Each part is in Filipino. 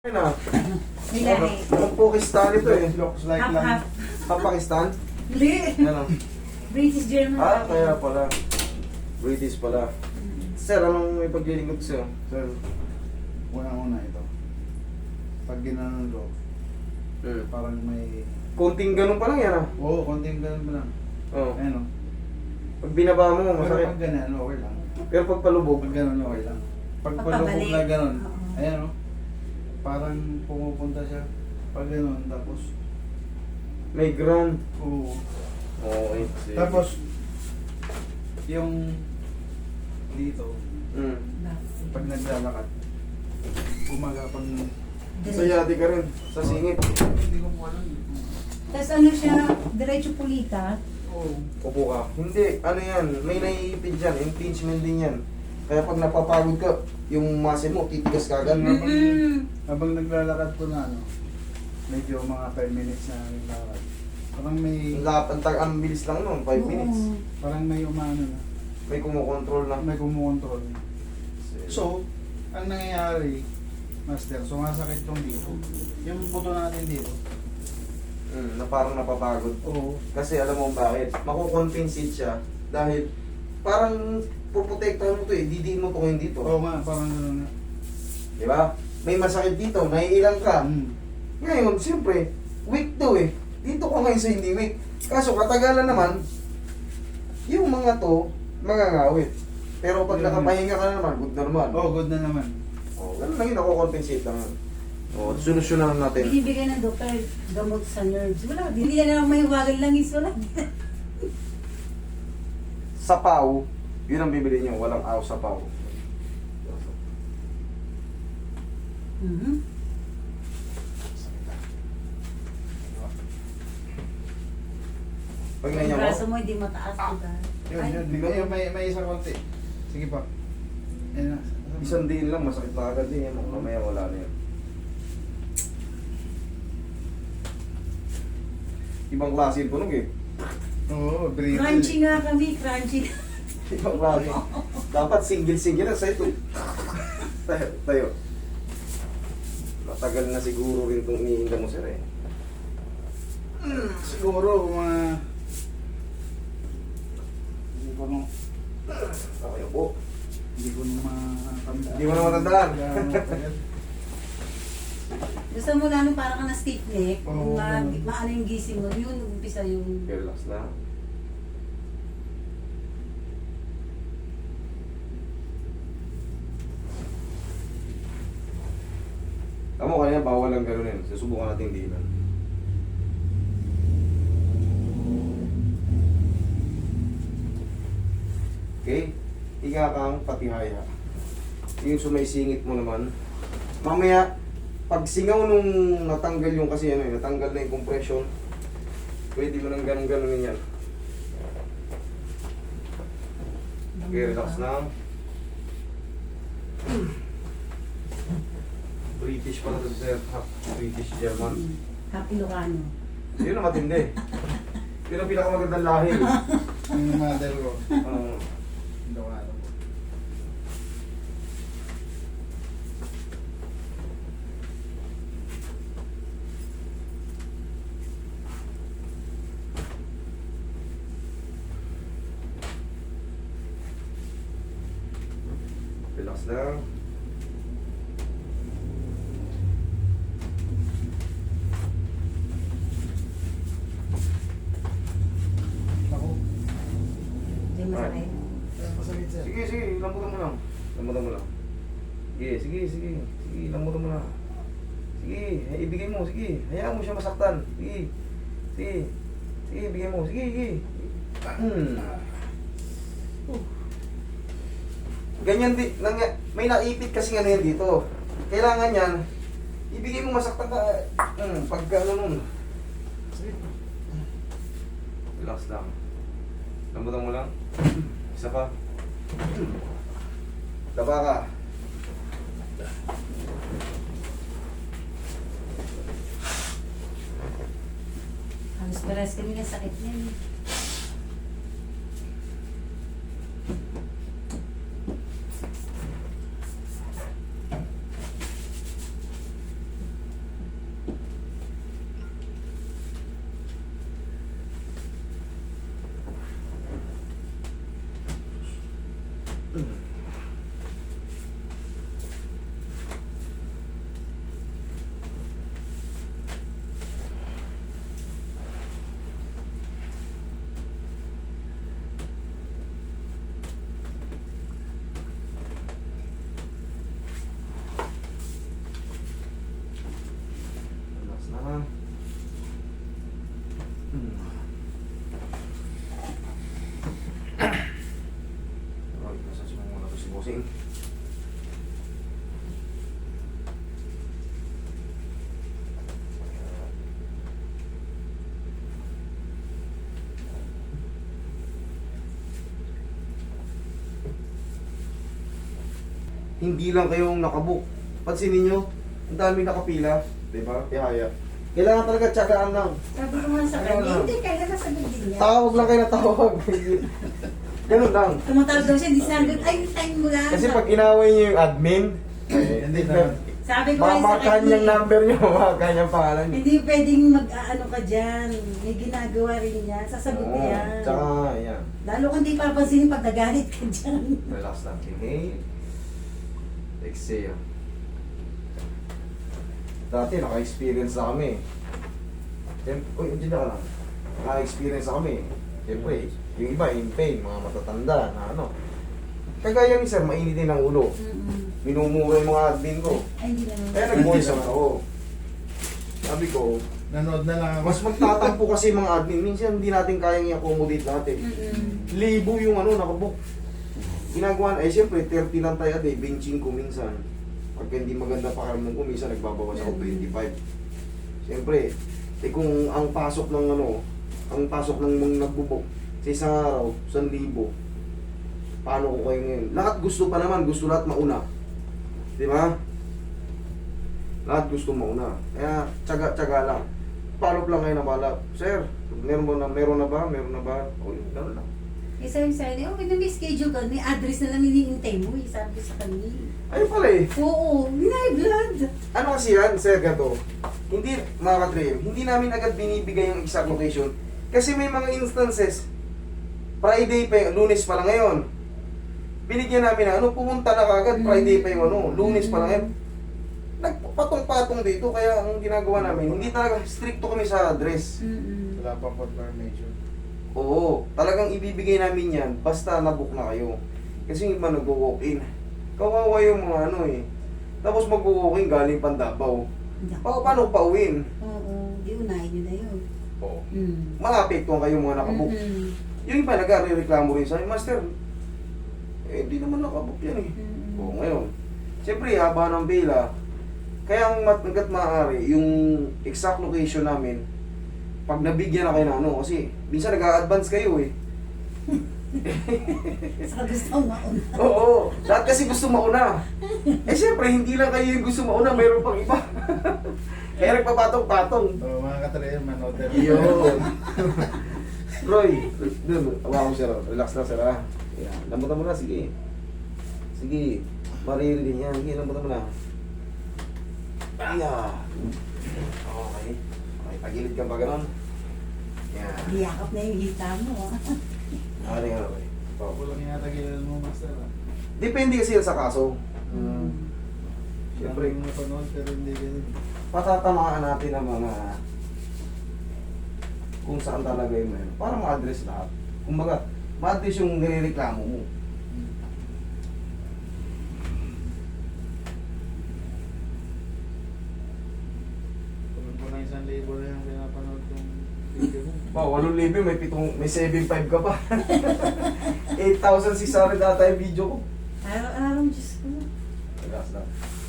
Ayun na. May lahi. Ang Pakistan ito eh. Looks like Half, lang. half. Ang Pakistan? Hindi. Ano? British German. Kaya pala. British pala. Sir, anong ipaglilingkod sa'yo? Sir, una ito. Pag ginanon ko, parang may... Konting ganun pa lang yan ah. Oo, konting ganun pa lang. Oo. Ayun o. Pag binaba mo, Pero masakit. pag ganun, okay lang. Pero pag palubog, Pag ganun, okay lang. Pag Pagpabalik. palubog na ganun, Oo. ayan o. Parang pumupunta siya. Pag ganun, tapos... may ground. Oo. Okay. Sige. Tapos, yung... dito, pag naglalakad, gumagapang... Sayati ka rin. Sa singit. Hindi ko po alam. Tapos ano siya, diretso pulita. Oo. Upo ka. Hindi. Ano yan? May naiipid dyan. Impingement din yan. Kaya pag napapagod ka, yung muscle mo, titigas ka agad. Habang naglalakad po na ano, medyo mga 5 minutes na naglalakad. Parang may, Ang bilis lang nun. 5 minutes. parang may umano na, May kumukontrol na. may kumukontrol. So, ang nangyayari, Master, sumasakit yung dito. Yung buto natin dito. Na parang napapagod. Oo. Kasi alam mo bakit? Makukompensate siya dahil parang puprotektahan mo to eh. Didiin mo to ngayon dito. Oo nga, parang gano'n nga. Di ba? May masakit dito, naiilang ka. Ngayon, siyempre, weak to eh. Dito ka ngayon sa hindi weak. Kaso katagalan naman, yung mga to, mangangawit. Pero pag nakapahinga ka na naman, good na naman. Oo, good na naman. Ganun lang yun, nakukompensate lang. Solusyonan natin. Binibigay ng doktor gamot sa nerves. Wala, hindi na lang may wagal lang wala. Sapaw, yun ang bibili niyo. Walang aw sapaw. Pag Yung nangyay mo, braso mo hindi mataas, diba? Yun, Ay, yun. May isa konti. Sige pa. Ayan na. isang diin lang, masakit na agad din yan. Mamaya wala na yan. Ibang klase yung tunog eh. Oo, breathe. Crunchy nga kami, crunchy. Ibang klase. Dapat single-single na sa'yo. Tayo. Matagal na siguro rin itong iniinda mo sir eh. Siguro mga... Hindi ko nung... Okay po. Hindi ko nung matandaan. Hindi mo na matandaan. Gusto mo lalo para ka na stiff neck, Oo, ganun. maano yung gising mo, yun umpisa yung... Relax na. Tama ko kanina, bawal ang gano'n yun. Susubukan natin dinan. Okay? Higa kang patihaya. Yung sumaisingit mo naman. Mamaya, pag singaw nung natanggal yung kasi ano, natanggal na yung compression, pwede mo nang ganun-ganunin yan. Okay, relax na. British pala to sir. British German. Happy Ilocano. Yun ang matindi. Yun ang pinakamagandang lahi. Yung mother ko. Hindi ko alam. Relax lang. Ako. Hindi masakit. Masakit sir. Sige, sige, lambutan mo lang. Lambutan mo lang. Sige, sige, sige. Sige, lambutan mo lang. Sige, ibigay mo, sige. Hayaan mo siya masaktan. Sige. Sige. Sige, ibigay mo. Sige, sige. Ganyan din, may naipit kasi ano yan dito. Kailangan yan, ibigay mo masaktan ka. Pagka ano nun. Sige. Relax lang. Lambutan mo lang. Isa pa. Taba ka. Halos pares kami ng sakit niyan. Focusing. Hindi lang kayong nakabook. Pansinin nyo, ang dami nakapila. Diba? Tihaya. Kailangan talaga tsagaan lang. Sabi ko nga sa Ayun kanya, lang. hindi, kaya nasagot din niya. Tawag lang kayo na tawag. Ganun lang. Tumatawag daw siya, hindi sinagot, ay, time mo lang. Kasi pag inaway niyo yung admin, Hindi na. Sabi ko nga sa mamakan kanya, yung number niyo, mamakan yung pangalan niyo. hindi pwedeng mag-ano ka dyan. May ginagawa rin niya, sasagot Oo, niya. tsaka, yan. Lalo kung di papansinin pag nagalit ka dyan. Relax lang. Inhale. Exhale. Dati, naka-experience na kami. Siyempre, uy, dyan ka lang. Naka-experience na kami. Siyempre, yung iba, in pain, mga matatanda, na ano. Kagaya ni sir, mainitin ang ulo. Minumura yung mga admin ko. Ay, hindi naman. Kaya nag-voice out ako. Sabi ko, Nanood na lang ako. mas magtatampo kasi yung mga admin. Minsan hindi natin kayang i-accommodate natin. Libo yung ano, nakabook. Ginagawa, siyempre 30 lang tayo a day, benching ko minsan. Pag hindi maganda pakiramdam ko, minsan nagbabawas ako 25. Siyempre, kung ang pasok ng ano, ang pasok ng mga nagbubok sa isang araw, 1,000. Paano ko kayo ngayon? Lahat gusto pa naman, gusto lahat mauna. Di ba? Lahat gusto mauna. Kaya, tsaga-tsaga lang. Follow up lang kayo na balap. Sir, meron na ba? Meron na ba? O, yun, gano'n lang. Eh, sabi sa kanya, okay na may schedule ka, may address na lang hinihintay mo, eh, sabi ko sa kanya. Ayun pala eh. Oo, high blood. Ano kasi yan, sir, gato? Hindi, mga ka-dream, hindi namin agad binibigay yung exact location. Kasi may mga instances, Friday pa, Lunes pa lang ngayon. Binigyan namin na, pumunta na kagad, Friday pa yung Lunes pa lang ngayon. Nagpatong-patong dito, kaya ang ginagawa namin, hindi talaga stricto kami sa address. Wala pang confirmation. Oo, talagang ibibigay namin yan, basta nabook na kayo. Kasi yung iba nag-walk-in. Kawawa yung mga Tapos mag-walk-in galing Pandabaw. Paano pauwiin? Oo, di unahin nyo na yun. Oo. Maapektuhan kayo mga nakabook. Yung iba nag-reklamo rin sa akin, Master, hindi naman nakabook yan eh. Oo, ngayon. Siyempre, haba ng pila. Kaya ang hanggat maaari, yung exact location namin, pag nabigyan na kayo ng kasi minsan nag-a-advance kayo eh. Saka gusto kong mauna. Oo, lahat kasi gusto mauna. Siyempre, hindi lang kayo yung gusto mauna, mayroon pang iba. Kaya nagpapatong-patong. So, mga katrayan, manood na. Yun. Roy, dun, awa ko sir. Relax lang sir ha. Yan, lambutan mo na, sige. Sige, maririnig yan. Sige, lambutan mo na. Ayan. Okay. Okay, tagilid ka ba ganon? Yan. Liyakap na yung hita mo, ah. Ano nga, Roy? Kulang yata gilan mo, Master. Depende kasi yan sa kaso. Siyempre, Siyempre, yung napanood, pero hindi ganun. patatamaan natin ang mga kung saan talaga yung para ma-address lahat. Kumbaga, ma-address yung nirereklamo mo. Kung na 1,000 na yung pinapanood yung video mo. Wow, 8,000, may 7.5 ka pa. 8,600 ata yung video ko. Araw-araw, Diyos ko. Relax lang.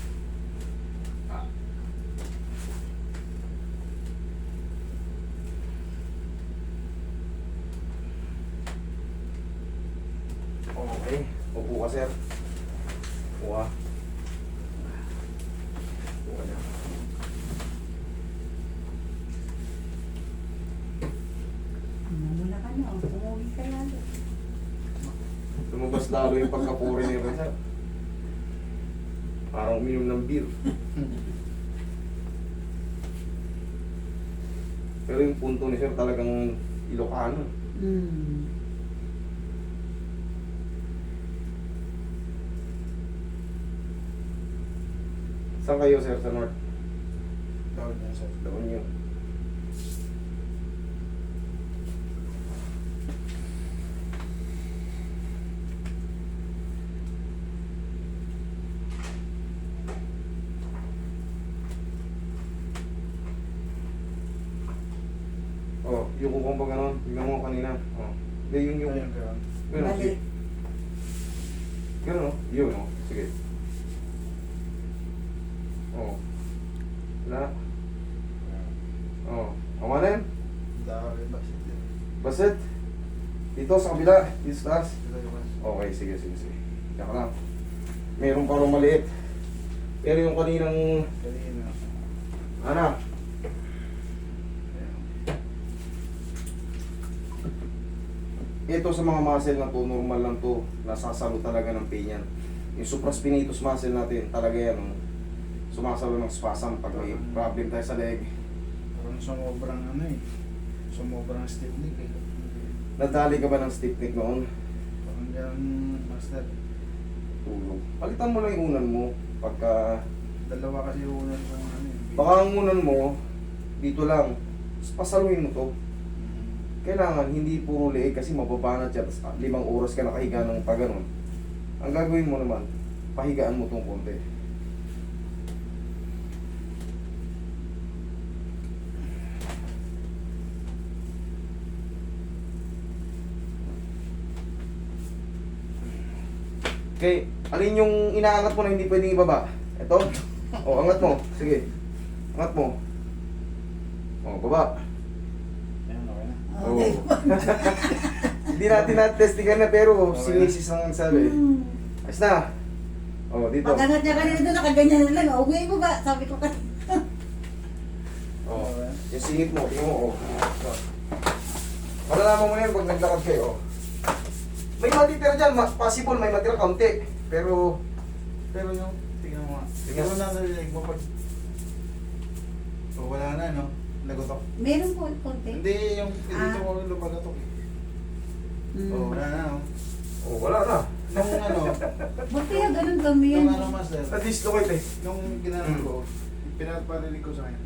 Okay, upo ka sir. Upo ka. Upo ka dyan. Mula ka na, umuwi ka lalo. Lumabas lalo yung pagkapuri ni Reza. Parang uminom ng beer. Pero yung punto ni sir talagang Ilocano. Saan kayo sir sa North? Tawag niya, sir. Doon yun. Oh, yung kung pa gano'n, tingnan mo kanina. Oh. Hindi, yung Ayun, ganun. Ganun. Balik. Ganun, oh. Yun, oh. Sige. Oh. Wala. Oh. Tama na yan. Dami ba siya? Basit. Dito sa kabila. Dito sa taas. Ito yung mas. Okay, sige. Diyan ka lang. Meron pa rin maliit. Pero yung kaninang... Kanina. Ano? Ayan. Ito sa mga muscle na to, normal lang to. Nasasalo talaga ng pain yan. Yung supraspinatus muscle natin, talaga yan. Oh. Sumasalo ng spasm pag may problem tayo sa leg. Parang sumobrang ano eh. Sumobrang stiff neck eh. Nadali ka ba ng stiff neck noon? Parang ganun, master. Tulog. Palitan mo lang yung unan mo. Pagka... Dalawa kasi yung unan kong ano eh. Baka ang unan mo, dito lang. Tapos pasaluin mo to. Kailangan hindi puro leeg kasi mababanat siya. Tapos 5 oras ka nakahiga ng pag ganun. Ang gagawin mo naman, pahigaan mo tong konti. Okay, alin yung inaangat mo na hindi pwedeng ibaba? Ito? O, angat mo. Sige. Angat mo. O, baba. Ayan, okay na. Okay. Hindi natin na-testigan na pero Okay. sinisis ang sabi. Hmm. Ayos na. O, dito. Pag-angat niya kanina doon, nakaganyan na lang. Uwi mo ba? Sabi ko kanina. O, yung singit mo, tingnan mo. O. Malalaman mo na yun pag naglakad kayo. O. May matitira dyan, possible may matira kaunti. Pero, Yung, tingnan mo nga. Tingnan. Siguro na narinig mo pag... So, wala na, no? Nagutok. Meron po konti. Hindi, yung dito Ah. ko lumagatok eh. Hmm. Oh, wala na, no? o, wala na. Nung ano, Ba't kaya ganun kami yan? nung ano, master, Na-dislocate eh. nung ginano ko, pinaparinig ko sa kanya.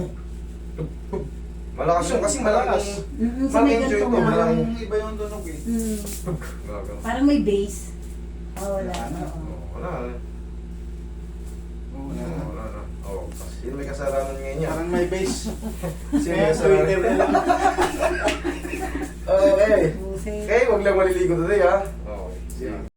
Malakas yun kasi malakas. Sa may Mag-enjoy ganito ito, nga. malakas. Parang iba yung tunog eh. Hmm. Gagano. Parang may base. Oh, wala. Wala na. Oo. O, wala na. Oo, O, wala na. wala na. O, sino may kasalanan ngayon yan? Parang may bass. Sino may Kaya kasalanan Twitter na lang. Okay. Buset. Okay, wag lang maliligo today ha. Okay. Sige.